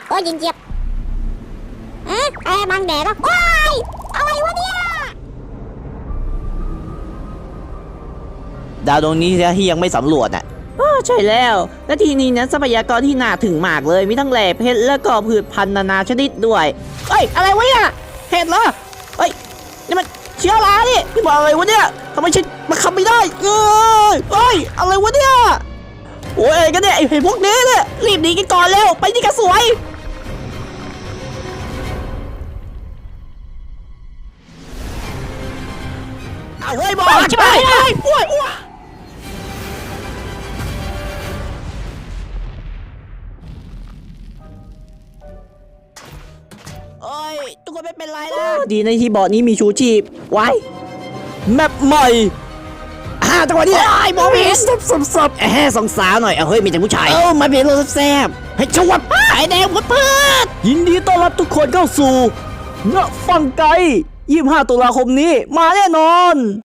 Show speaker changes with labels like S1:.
S1: โอ้ยยิงเจี๊ยบบังแดดแล้วว้ายอะไรวะเนี่ย
S2: ดาวดวงนี้ที่ยังไม่สำรวจอ่ะใช่แล้วและทีนี้นั้นทรัพยากรที่น่าถึงมากเลยมีทั้งแหล่เพชรแล้วก็พืชพันธุ์นานาชนิดด้วยเอ้ยอะไรวะเนี่ยเห็ดเหรอเอ้ยนี่มันเชื้อรานี่พี่บอกอะไรวะเนี่ยทำไมฉันมาขับไม่ได้เอ้ยอะไรวะเนี่ยโอ้ยอะไรกันเนี่ยไอ้พวกนี้เนี่ยรีบหนีกันก่อนเร็วไปนี่กระสวยเอาเฮ้ยบอกใช่ไหมโอ้ยโอ้ยทุกคนไม่เป็นไรนะดีในที่บ่อนี้มีชูชีพไว้แมปใหม่จังหวะนี้ไอ้บอมีสับสองสาวหน่อยเฮ้ยมีแต่ผู้ชายมาเป็นรถแซ่บให้ชวบไอ้แดงพุดพืชยินดีต้อนรับทุกคนเข้าสู่เงาะฟังไก25 ตุลาคมนี้มาแน่นอน